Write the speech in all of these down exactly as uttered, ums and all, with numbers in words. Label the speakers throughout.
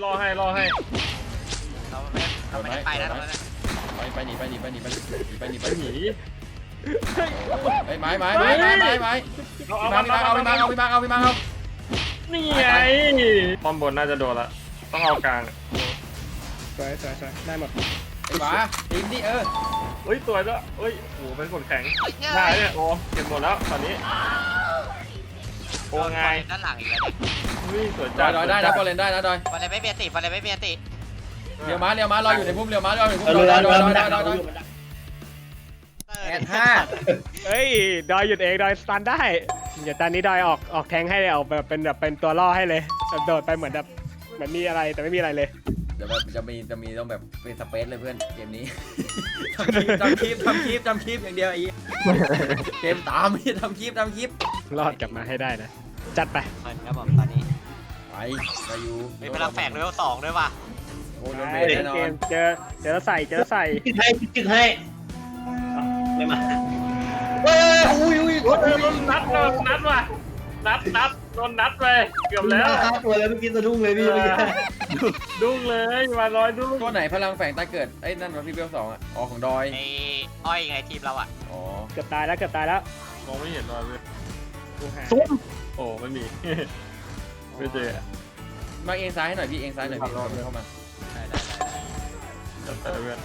Speaker 1: รอให้รอให้
Speaker 2: เราไม่เราไม่ได้ไปนะตรงนั้น
Speaker 3: ไปไปหนีไปหนีไปหนีไปหนีไปหนีไปหนี
Speaker 1: ไป
Speaker 3: ไม้ไม้ไม้ไม้ไม้ไม้เอาเอาพี่มาเอาพี่มาเอาพี่มาเอา
Speaker 1: นี่ไงป้อมบนน่าจะโดนละต้องเอากลาง
Speaker 4: สวยสวยสวยได้หมด
Speaker 3: ไอ้หมาทีมนี่เออ
Speaker 1: เฮ้ยสวยด้วยเฮ้ยโอ้เป็นกดแข็งได้เนี่ยโอ้เก็บหมดแล้วตอนนี้โอ้ไง
Speaker 2: ด้านหลังอีกแล้ว
Speaker 1: นี่สวย
Speaker 3: จัดดอยได้นะบอลเลนได้นะดอย
Speaker 2: บอลเลนไม่เบียดติบอลเลนไม่เบียดติ
Speaker 3: เลี้ยวม้าเลี้ยวม้ารออยู่ในพุ่มเลี้ยวม้ารออยู่ในพุ่มดอยดอยดอยดอยดอยดอยแอดห้า
Speaker 4: เฮ้ยดอยหยุดเองดอยสตันได้เดี๋ยวตอนนี้ดอยออกออกแทงให้เลยออกแบบเป็นแบบเป็นตัวล่อให้เลยโดดไปเหมือนแบบเหมือนมีอะไรแต่ไม่มีอะไรเลย
Speaker 3: เดี๋ยวแบบจะมีจะมีต้องแบบเป็นสเปซเลยเพื่อนเกมนี้ทำคลิปทำคลิปทำคลิปอย่างเดียวไอ้เกมตามไม่ทำคลิปทำคลิป
Speaker 4: รอดกลับมาให้ได้นะจัดไป
Speaker 2: ครับผมตอนนี้
Speaker 3: ไปไปอยู่
Speaker 2: มีพลังแฝงเลเวลสองด้วยว่ะ
Speaker 3: โอ้โดนเบรแน่นอน
Speaker 4: เจอเจอใส่เจอใส่
Speaker 5: จึกให้จึกให้ไม่มาเฮ้ยอุ้ยอุ้ย
Speaker 1: โดนนัดโดนนัดว่ะนัดนัดโดนนัดไปเกือบแล้ว
Speaker 5: ตัวแล้วเมื่อกี้สะดุ้งเลยพี่
Speaker 1: ดุ้งเลยมาลอยดุ้ง
Speaker 3: ตัวไหนพลังแฝงตาเกิดไอ้นั่นวะพี่เบลสองอ่ะอ๋อของดอย
Speaker 2: ไอ้อ้อยไงทีมเราอ่ะ
Speaker 3: อ๋อ
Speaker 4: เกือบตายแล้วเกือบตายแล้ว
Speaker 1: มองไม่เห็นรอยเลย
Speaker 4: ซุ่ม
Speaker 1: โอ้ไม่มีไม่เจอ
Speaker 3: มาเองซ้ายให้หน่อยพี่เองซ้ายหน่อยพี่เข้ามา
Speaker 2: ได้ได้ได้
Speaker 1: จัดไปเพื่อน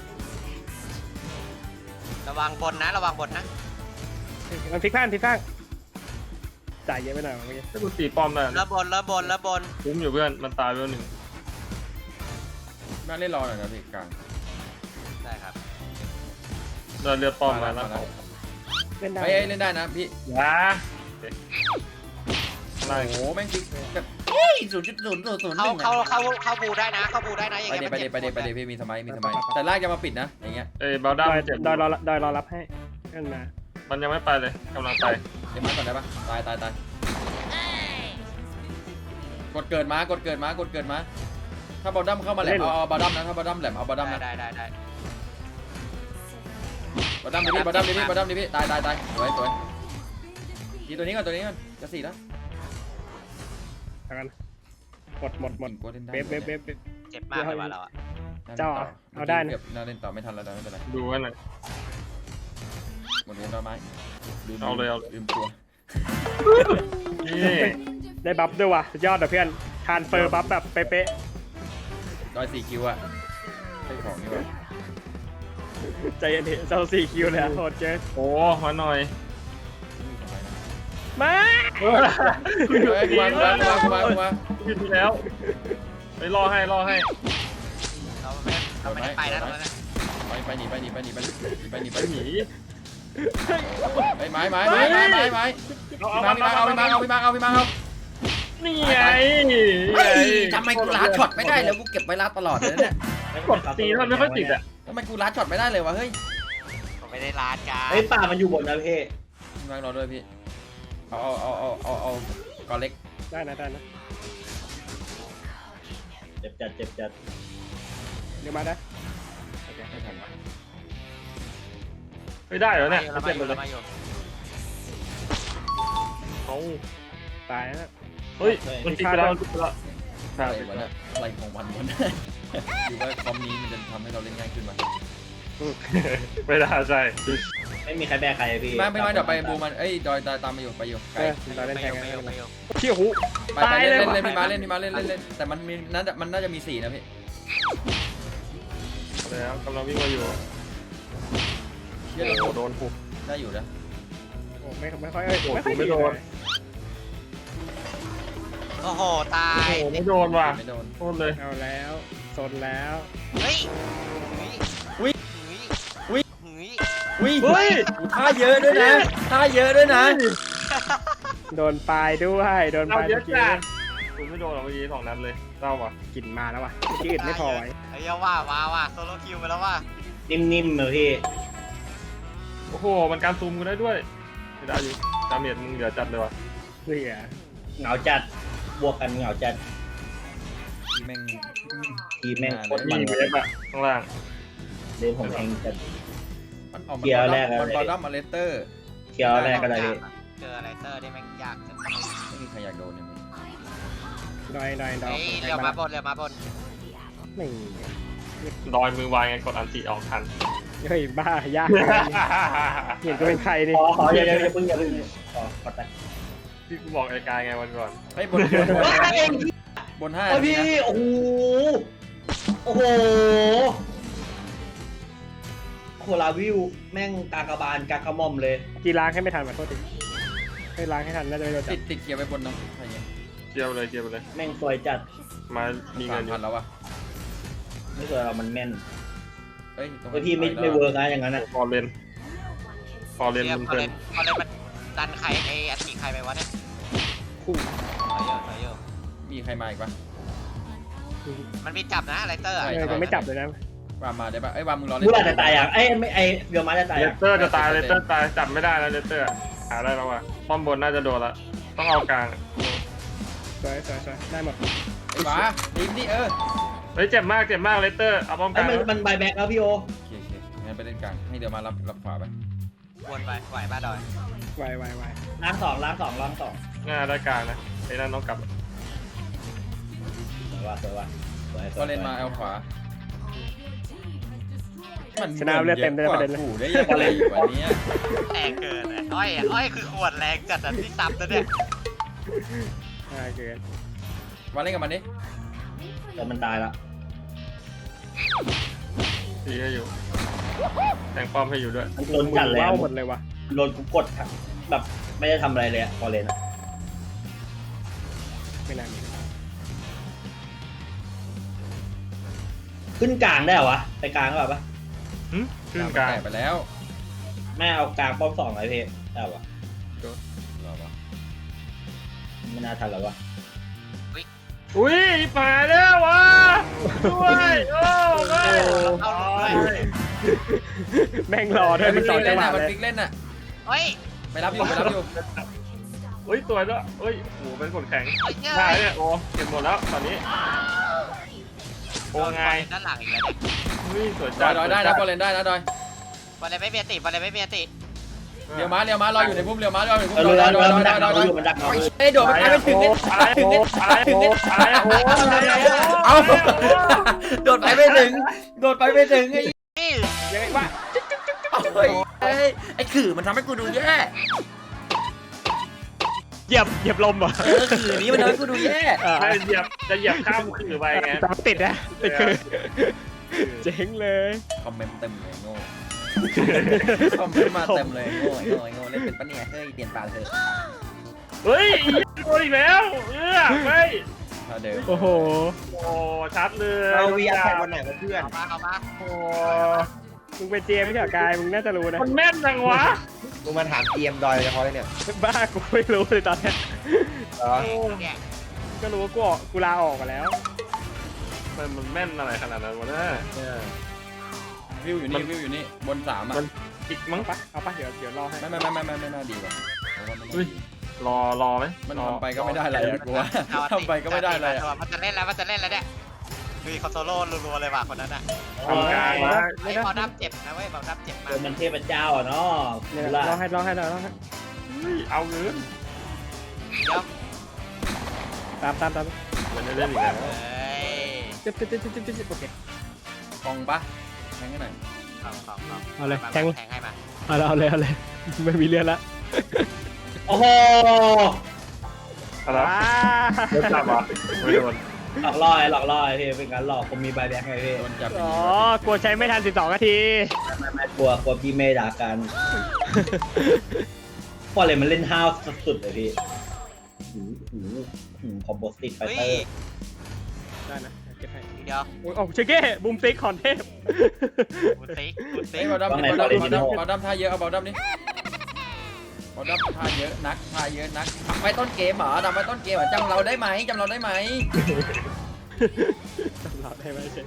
Speaker 2: ระวังบนนะระวังบนนะ
Speaker 4: มันพลิกข้างพลิกข้างจ่ายเยอะไปหน่อยเมื่อกี้
Speaker 1: ถ้ากูตีป้อมได้
Speaker 2: แล้วบนแล้วบนแล้วบน
Speaker 1: คุ้มอยู่เพื่อนมันตายไปหนึ่ง
Speaker 3: มาเล่นรอหน่อยนะพี่กลาง
Speaker 2: ได้ครับ
Speaker 1: เราเลือดป้อมมาแล้ว
Speaker 4: เล่นได้
Speaker 3: ไปเล่นได้นะพี่
Speaker 1: ว้า
Speaker 3: โอ้โหแม่งจริงแบบศูนย์จุดศูนย์ศูนย์ศูนย์
Speaker 2: เขาเขาเขาเขาบูได้นะเขาบูได้นะอย่างเงี้ย
Speaker 3: ไปเดี๋ยวไปเดี๋ยวไปเดี๋ยวพี่มีสมัยมีสมัยแต่ลากจะมาปิดนะอย่างเงี้ย
Speaker 1: เอ้ยเบลด้าเจ็บ
Speaker 4: ดอยรอดอยรอรับให้ขึ้นมา
Speaker 1: มันยังไม่ไปเลยกำลังไป
Speaker 3: เดี๋ยวมาก่อนได้ปะตายตายตายกดเกิดมากดเกิดมากดเกิดมาถ้าบอลดัมเข้ามาแหลมเอาบอลดัมนะถ้าบอลดัมแหลมเอาบอลดัมนะ
Speaker 2: ได้ได้ได้
Speaker 3: บอลดัมดิพี่บอลดัมดิพี่บอลดัมดิพี่ตายตายตายสวยสวยทีตัวนี้ก่อนตัวนี้ก่อนจะสี่แล้ว
Speaker 4: กันหมดหมดหมดเบฟเบฟเบฟ
Speaker 2: เจ็บมากเลยว่ะเราอ่ะ
Speaker 4: เจ้าเอาได้นะ
Speaker 3: น่าเล่นต่อไม่ทันแล้วไม่เป็นไร
Speaker 1: ดูกันหน่อย
Speaker 3: หมดเวลาไม้
Speaker 1: เอาเลยเอา
Speaker 3: ลืมตัว
Speaker 1: นี่
Speaker 4: ได้บัฟด้วยว่ะยอดเพื่อนทานเฟอร์บัฟแบบเป๊ะ
Speaker 3: ๆดอยสี่คิวอะใช่ของนี่วะ
Speaker 4: ใจเย็นๆเจ้าสี่คิวเลยโหดเกิน
Speaker 1: โอ้มาหน่อย
Speaker 4: มา
Speaker 3: มามามามามา
Speaker 1: ขึ้นแล้วไปรอให้รอให้
Speaker 2: เราไม่เราไม่ได้ไปนะตรงนั้น
Speaker 3: ไปไปหนีไปหนีไปหนีไปหนีไปหนีไปหนีไปไม้ไม้ไม้ไม้ไม้ไม้เอาพี่มาเอาพี่มาเอาพี่มาเอาพี่มาเอา
Speaker 1: นี่ไง
Speaker 3: ทำไมกูลัดช็อตไม่ได้แล้วกูเก็บไว้ลัดตลอดเลยเนี่ย
Speaker 1: กดตีแล้วไม่ค่อยติดอ่ะ
Speaker 3: ทำไมกูลัดช็อตไม่ได้เลยวะเฮ้ย
Speaker 2: ผมไม่ได้ลัดกัน
Speaker 5: เฮ้ยป่ามันอยู่บนนะพี่
Speaker 3: วางรอด้วยพี่เอาเอาเอาเอาเอากอเล็ก
Speaker 4: ได้นะได้นะ
Speaker 5: เจ็บจัดเจ็บจัด
Speaker 4: เดี๋ยวมาได้
Speaker 3: โอเคไม่ทัน
Speaker 1: ไม่ได้เหรอเนี่ย
Speaker 2: เจ็บเลย
Speaker 1: เขา
Speaker 4: ตายนะ
Speaker 1: เฮ้ยมันติดไปแล้ว
Speaker 3: อะไรวะเนี่ยอะไรของวันวันอยู่ว่าคอมนี้มันจะทำให้เราเล่นง่ายขึ้นมั้ย
Speaker 1: ไม่ได้ใช่
Speaker 5: ไม่มีใครแบกใครพี่
Speaker 3: มาไม่มาเดี๋ยวไปบูมันเอ้ยดอยตามมาอยู่ไปอยู่ไกล
Speaker 4: เราเล่นแทงกัน
Speaker 2: เ
Speaker 4: ขี้หู
Speaker 3: ไปไปเล่นเล่นพี่มาเล่นพี่มาเล่นเล่นเล่นแต่มันมีน่าจะมันน่าจะมีสี่นะพี่
Speaker 1: แล้วกำลังวิ่งมาอยู่
Speaker 3: เยอะโดนผูกได้อยู่นะ
Speaker 4: โอ้ไม่ไม่ค่อยไม่ค่อย
Speaker 1: ไม่โดน
Speaker 2: โอ้โหตาย
Speaker 1: ไม่โดนว่ะ
Speaker 3: ไม่โดน
Speaker 1: โดนเลย
Speaker 4: เอาแล้วโซนแล้ว
Speaker 2: เฮ้ย
Speaker 3: วิ่งวิ่งวิ่ง
Speaker 1: วิ่ง
Speaker 3: ท่าเยอะด้วยนะท่าเยอะด้วยนะ
Speaker 4: โดนปลายด้วยโดนปลายเมื่อกี้
Speaker 1: คุณไม่โดนหรอกเมื่อกี้สองนัดเลยเศร้าว่ะ
Speaker 4: กลิ่นมาแล้วว่ะเมื่อกี้อื่นไม่พอไว้
Speaker 2: ไอ้ยาว่าว้าว่ะโซโลคิวไปแล้วว่ะ
Speaker 5: นิ่มๆเลยพี่
Speaker 1: โอ้โหมันการซูมกันได้ด้วยไม่ได้อยู่ดาเมจมึงเหลือจัดเลยว่ะ
Speaker 4: เหลือ
Speaker 5: เหงาจัดบวกกันเหงาจัด
Speaker 3: ทีแม่ง
Speaker 5: ทีแม่งโคตร
Speaker 1: มันเลยอะข้างล่าง
Speaker 5: เดี๋ยวผมแทงจัด
Speaker 3: เกียร์แรกมันบอลดัมมาเลเตอร์
Speaker 5: เกียร์แรกอะไร
Speaker 2: เจออะไรเตอร์ได้แม่งยากจัง
Speaker 3: ไม่มีใครอยากโดนเนี่ย
Speaker 4: รดอยดอยดอย
Speaker 2: เฮ้ยเรือมาบนเรือมาบน
Speaker 4: ไม่
Speaker 1: ดอยมือวางไงกดอันติออกทัน
Speaker 4: เฮ้ยบ้ายากเห็นก็เป็นใครดิ
Speaker 5: ขอขออย่าอย่าอย่าเพิ่งอย่าเพิ่งขอขอตัด
Speaker 1: ที่กูบอกไอ้กายไงวันก่อน
Speaker 3: เฮ้ยบนบน
Speaker 5: เฮ้ยเอง
Speaker 3: บนห้า
Speaker 5: โอ้ยพี่โอ้โหโอ้โหโคลาวิวแม่งกากบาลกากระหม่อมเลย
Speaker 4: กีล้างให้ไม่ทันขอโทษทีให้ล้างให้ทันน่าจะไม่โดนจั
Speaker 3: ติ
Speaker 4: บ
Speaker 3: ดติดเกียร์ไปบนเนาะอะไรเงี้ย
Speaker 1: เกี่ยวไปเลยเกี่ยวไปเลย
Speaker 5: แม่งสวยจัด
Speaker 1: มามี
Speaker 3: สา
Speaker 1: เงินอยู่
Speaker 3: มพันแล้ววะ
Speaker 5: ไม่สวยเรามันแม่น
Speaker 3: เฮ้ยตรง
Speaker 5: เฮ้ยพี่ไม่ไม่เวิร์กนะอย่างนั้นอ่ะ
Speaker 1: ฟอร์เรนฟอร์เรน
Speaker 2: เรือ
Speaker 1: มัน
Speaker 2: พอ
Speaker 1: เพลิ
Speaker 2: เล่
Speaker 1: น
Speaker 2: นพอเล่นมันดันใครไอ้อันตีใครไปวะเนี่ย
Speaker 4: คู่
Speaker 2: ถอยเยอะถอยเยอะ
Speaker 3: มีใครมาอีกปะ
Speaker 2: มันมีจับนะไรเตอร์อะ
Speaker 4: เออจะไม่จับเลยนะ
Speaker 3: วามมาได้ปะเอ้ยวามมึงรอเล่น
Speaker 5: มูราจะตายอ่ะไอ้ไม่ไอ้เบียวมาจะตาย
Speaker 1: เล
Speaker 5: อ่ะ
Speaker 1: สเตอร์จะตายเลสเตอร์ตายจับไม่ได้แล้วเลสเตอร์หาได้แล้วว่ะป้อมบนน่าจะโดนละต้องเอากลาง
Speaker 4: สวยสวยสวยได้หมด
Speaker 3: ไอ้หวาทีมนี่เออ
Speaker 1: เฮ้ยเจ็บมากเจ็บมากเลสเตอร์เอาป้อมก
Speaker 5: ไอ้
Speaker 1: ลาง
Speaker 5: มันมันบายแบ็กแล้วพี่โอ
Speaker 3: โอเคโอเคงั้นไปเล่นกลางให้เดี๋ยวมารับรับขวาไป
Speaker 2: วนไปไหวบ้าดอย
Speaker 4: ไวไวไว
Speaker 5: ล้างสองล้างสองล้างสอง
Speaker 1: ง่ายได้กลางนะไอ้นั่นต้องกลับ
Speaker 5: สวยว่ะสวยว่ะสวยสวย
Speaker 3: ก็เล่นมาเอาขวามัน
Speaker 4: ชนะเลือดเต็มได้ประเด็นเลย
Speaker 3: กูได้ยังไงอยู่วันนี้
Speaker 2: แรงเกินอะอ้อยอะอ้อยคือขวดแรงจัดอะที่ซับนะเนี่ย
Speaker 4: ง่ายเกิน
Speaker 3: มาเล่นกับมันดิ
Speaker 5: แต่มันตายละ
Speaker 1: ตีให้อยู่แต่งป้อมให้อยู่ด้วย
Speaker 5: มันโดนจัดแล้ว
Speaker 4: ว้าวหมดเลยวะ
Speaker 5: โดนกูกดครับแบบไม่ได้ทำอะไรเลยอะพอเลนอะ
Speaker 4: ไม่นาน
Speaker 5: ขึ้นกลางได้เหรอวะไปกลางก็แบบปะ
Speaker 1: หึขึ้นกลาง
Speaker 3: แตะไปแล้ว
Speaker 5: แม่เอากลางป้อมสองไอเพได้ปะ
Speaker 3: รอวะ
Speaker 5: ไม่น่าทันแล้ววะ
Speaker 1: อุ้ยป่าแล้ววะด้วยโอ้ไม่
Speaker 2: เอาเลย
Speaker 4: แม่งรอด้วยมันต่อจังหวะ
Speaker 3: มัน
Speaker 4: เลย
Speaker 3: ฟิกเล่นน่ะ
Speaker 2: เฮ้ย
Speaker 3: ไม่รับอยู่ไม่รับอยู่
Speaker 1: เฮ้ยสวยด้วยเฮ้ยโอ้เป็นกดแข็ง
Speaker 2: เฮ้ยเฮ้ย
Speaker 1: ได้เนี่ยโอ้เก็บหมดแล้วตอนนี้โอ้ไง
Speaker 2: ด้านหลังอีกแล้วเนี่ย
Speaker 1: เฮ้ยสวย
Speaker 3: ด
Speaker 1: จั
Speaker 3: อ
Speaker 1: ด
Speaker 3: ยดอยได้นะบอลเล่นได้นะดอย
Speaker 2: บอลเลยไม่เมียติบอลเลยไม่เมียติ
Speaker 3: เลี้ยวม้าเลี้ยวม้ารออยู่ในพุ่มเลี้ยวม้ารออยู่ในพุ่
Speaker 5: เอ
Speaker 3: ม
Speaker 5: อ
Speaker 3: ดอย
Speaker 5: เรือ
Speaker 3: ดอย
Speaker 5: เรือ
Speaker 3: ดอย
Speaker 5: มัน
Speaker 3: ด
Speaker 5: ดั
Speaker 3: อก ยด
Speaker 5: เรา
Speaker 3: อย
Speaker 5: อยู่มันดักเราอยู่
Speaker 3: เอ้ยโดดไปไม่ถึงเงี้ยไม่ถึงเงี้ยไม่ถึงเงี้ยเอาโดดไปไม่ถึงโดดไปไม่ถึงไอ้
Speaker 2: นี่
Speaker 4: ยังไงวะ
Speaker 3: เฮ้ยไอ้ขื่อมันทำให้กูดูแย่
Speaker 4: เหยียบเหยียบลมเหรอ
Speaker 3: เออขื่อนี้มันทำให้กูดูแย่
Speaker 4: เออ
Speaker 1: ใช่เหยียบจะเหยียบข้ามขื่อไปไง
Speaker 4: ตามติดนะติดคือเจ๋งเลย
Speaker 3: คอมเมนต์เต็มเลยโง่คอมเมนต์มาเต็มเลยโง่โง่โง่เล่นเป็นปะเนี่ยเฮ้ยเปลี่ยนปากเถอะ
Speaker 1: เฮ้ยโดนอีกแล้วเออไม่
Speaker 3: ถ้าเดิม
Speaker 4: โอ้โห
Speaker 1: โอ้ชัดเลย
Speaker 5: เราวีอาร์แข่งวันไหนกับเพื่อน
Speaker 2: เอามาเอามา
Speaker 1: โอ้
Speaker 4: มึงเป็นเจมไม่ใช่เหรอกายมึงน่าจะรู้นะ
Speaker 1: มันแม่นจังวะ
Speaker 6: มึงมาถามเตรียมดอยเฉพาะเลยเนี่ย
Speaker 4: บ้ากูไม่รู้เลยตอนเนี้ย
Speaker 6: เหรอ
Speaker 2: เนี่ย
Speaker 4: ก็รู้ว่ากูออกกูลาออกมาแล้ว
Speaker 1: มันมันแม่นอะไรขนาดนั้นวะเนี่ย
Speaker 3: วิวอยู่นี่วิวอยู่นี่บนสามอ่ะ
Speaker 1: มัน อีกมั้ง
Speaker 4: ปะเอาปะเดี๋ยวเดี๋ยวรอให้
Speaker 3: ไม่ไม่ไม่ไม่ไม่น่าดีว่ะเพราะว่ามัน
Speaker 1: เฮ้ย รอรอไหม
Speaker 3: มัน
Speaker 1: รอ
Speaker 3: ทำไปก็ไม่ได้อะไรอะกูว่า
Speaker 2: เอา
Speaker 3: ทำไปก็ไม่ได้อะไรอะ
Speaker 2: มันจะเล่นแล้วมันจะเล่นแล้วเนี่ยคือเขาโซโล่รัวๆเลยว่ะคนนั้นอ่ะ
Speaker 1: ทำกลางวะ
Speaker 2: ไอ้บอลดับเจ็บนะเว้ยบอลดับเจ็บมา
Speaker 5: ตัวมันเทพเจ้าอ่ะเนาะ
Speaker 4: เนี่ย
Speaker 5: ล่ะ
Speaker 4: รอให้รอให้รอให้
Speaker 1: เฮ้ยเอาเงิน
Speaker 2: เดี๋ยว
Speaker 4: ตามตามตาม
Speaker 1: มันจะเล่นอีกแล้ว
Speaker 2: เฮ้ย
Speaker 4: จิ๊บจิ๊บจิ๊บจิ๊บจิ๊บโอเค
Speaker 3: กองปะแทงกันหน่อย
Speaker 2: ของของของ
Speaker 4: เอาเลย
Speaker 2: มา
Speaker 4: แทง
Speaker 2: แทงให้มา
Speaker 4: เอาเลยเอาเลยเอาเลยไม่มีเรื่องละ
Speaker 5: โอ้โห
Speaker 1: อะไร
Speaker 4: ว้า
Speaker 1: โดนจับวะไม่โดน
Speaker 5: หลอกล่อไอ้หลอกล่อไอ้พี่เป็นการหลอกผมมีบายแบ็กไงพี่
Speaker 3: โดนจับไป
Speaker 4: อ๋อ
Speaker 3: ยิง
Speaker 4: กลัวใช้ไม่ทันสิบสองนาที
Speaker 5: ไม่ไม่กลัวกลัวพี่เมย์ด่ากันพอเลยมันเล่นห้าวสุดๆเลยพี่หูหูหูคอมโบสติกไฟ
Speaker 2: เฮ้ย
Speaker 5: เตอร์
Speaker 4: ได้นะเก็บให้
Speaker 2: เดี๋ยว
Speaker 4: โอ้ยโอ้เชเก้บูมติ๊กคอนเทพ
Speaker 2: กูติ๊กกู
Speaker 3: เฮ้
Speaker 2: ติ๊
Speaker 3: ย
Speaker 2: ก
Speaker 3: บอลดัมบอลดัมบอลดัมบอลดัมท่าเยอะเอาบอลดัมนี่บอลดัมท่าเยอะนักท่าเยอะนักทำไปต้นเกมเหรอทำไปต้นเกมเหรอจำเราได้ไหมจำเราได้ไหม
Speaker 4: จำเราได้ไหมเช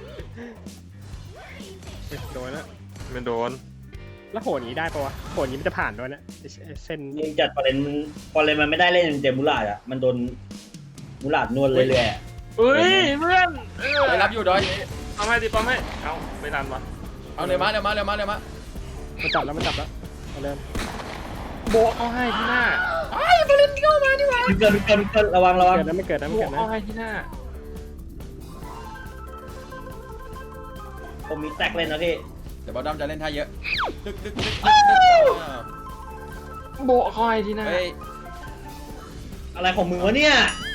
Speaker 4: โดนแล้ว
Speaker 1: ไม่โดน
Speaker 4: แล้วโหนนี้ได้ปะวะโหนนี้มันจะผ่านด้วยนะไอ้ไอ้เส้น
Speaker 5: ยิงจัดพอเลนมันพอเลนมันไม่ได้เล่นเต็มมูลาดอ่ะมันโดนมูลาดนวลเรื่อยๆอะ
Speaker 1: เฮ้ยเพื่อนเออ
Speaker 3: ไปรับอยู่ดอย
Speaker 1: เอาให้ดิป้อมให้เอาไม่ทันวะ
Speaker 3: เอาเร็วมาเร็วมาเร็วมาเร็วมา
Speaker 4: มันจับแล้วมันจับแล้วเอาเลย
Speaker 1: โบกเอาให้ที่หน้า
Speaker 3: ไอ้
Speaker 5: บอลเลนเข้ามาดีกว่าเกินเกินเกินระวังระวัง
Speaker 4: เกิดนะไม่เกิดนะไม่เกิดนะ
Speaker 1: โอ้ยที่หน้า
Speaker 5: ผมมีแตกเล่นนะพี่
Speaker 3: เดี๋ยวบอลดอมจะเล่นท่าเยอะดึกดึกดึกดึกอ้าว
Speaker 1: โบะคอยที่หน้า
Speaker 3: เฮ้ย
Speaker 5: อะไรของมึงวะเนี่ย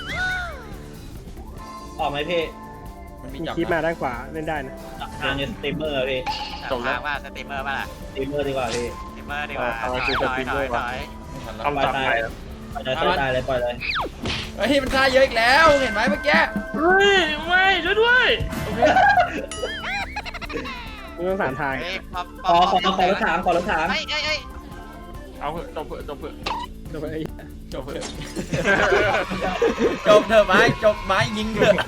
Speaker 5: ออกไหมพี่
Speaker 3: มันมี
Speaker 4: มี
Speaker 3: จับ
Speaker 4: คลิปมา
Speaker 3: นะ
Speaker 4: ด้านขวาเล่นได้นะ
Speaker 5: ทางเนี่ยสตรีมเมอร์อะพี่
Speaker 2: จบแล้วว่าสตรีมเมอร์ป่ะล่ะ
Speaker 5: สตรีมเมอร์ดีกว่าพี่
Speaker 2: สตรีมเมอร์ดีกว่าถอยถอยถอยถอย
Speaker 3: ไม่ทันแล้ว
Speaker 1: ต้องจับไปแล้ว
Speaker 5: ปล่อยเลยปล่อยตายเลยปล่อยเลย
Speaker 3: เฮ้ยมันท่าเยอะอีกแล้วเห็นไหมเมื่อกี้
Speaker 1: เฮ้ยไม่ช่วยด้วยโอเค
Speaker 4: มึงต้องสามทาง
Speaker 2: เฮ้ยพอ
Speaker 5: ขอขอขอรถถังขอรถถัง
Speaker 2: เฮ้ยเฮ้ยเฮ้ย
Speaker 1: เอาเถอะจบเถอะจบเถอะ
Speaker 4: จบไอ้
Speaker 3: จบเถอะจบเถอะไม้จบไม้ยิงเถอะ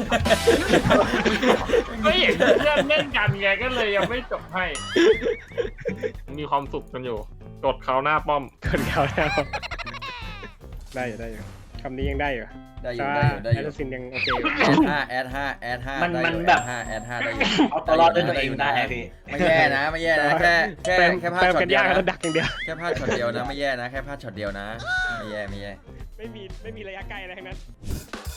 Speaker 1: ไม่เห็นเพื่อนเล่นกันไงก็เลยยังไม่จบให้ มีความสุขกันอยู่กดเขาหน้าป้อม
Speaker 4: คนเขาแล้วได้อยู่ได้อยู่คำนี้ยังได้อยู่
Speaker 3: ได้อยู่ได้อยู่ได้อ
Speaker 4: แอยู่ สซินยังโอเคอยู่
Speaker 3: แอดห้าแอดห้าแอดห้า
Speaker 5: มัน
Speaker 3: ได้
Speaker 5: มัน
Speaker 3: อยู่
Speaker 5: แบบ
Speaker 3: แอดห้าแอดห้าได้อยู่
Speaker 5: เอาตัวรอดด้วยตัวเองได้พี่
Speaker 3: ไม่แย่นะไม่แย่นะแค่แค่
Speaker 4: เติม
Speaker 3: แค่พลาด
Speaker 4: เติม
Speaker 3: ช็อ
Speaker 4: กั
Speaker 3: ต
Speaker 4: น
Speaker 3: เดีย
Speaker 4: ยาว ก
Speaker 3: นะ
Speaker 4: แล้วดักอย่างเดียว
Speaker 3: แค่พลาดช็อตเดียวนะไม่แย่นะแค่พลาดช็อตเดียวนะไม่แย่ไม่แย่
Speaker 4: ไม่มีไม่มีระยะไกลอะไรทั้งนั้น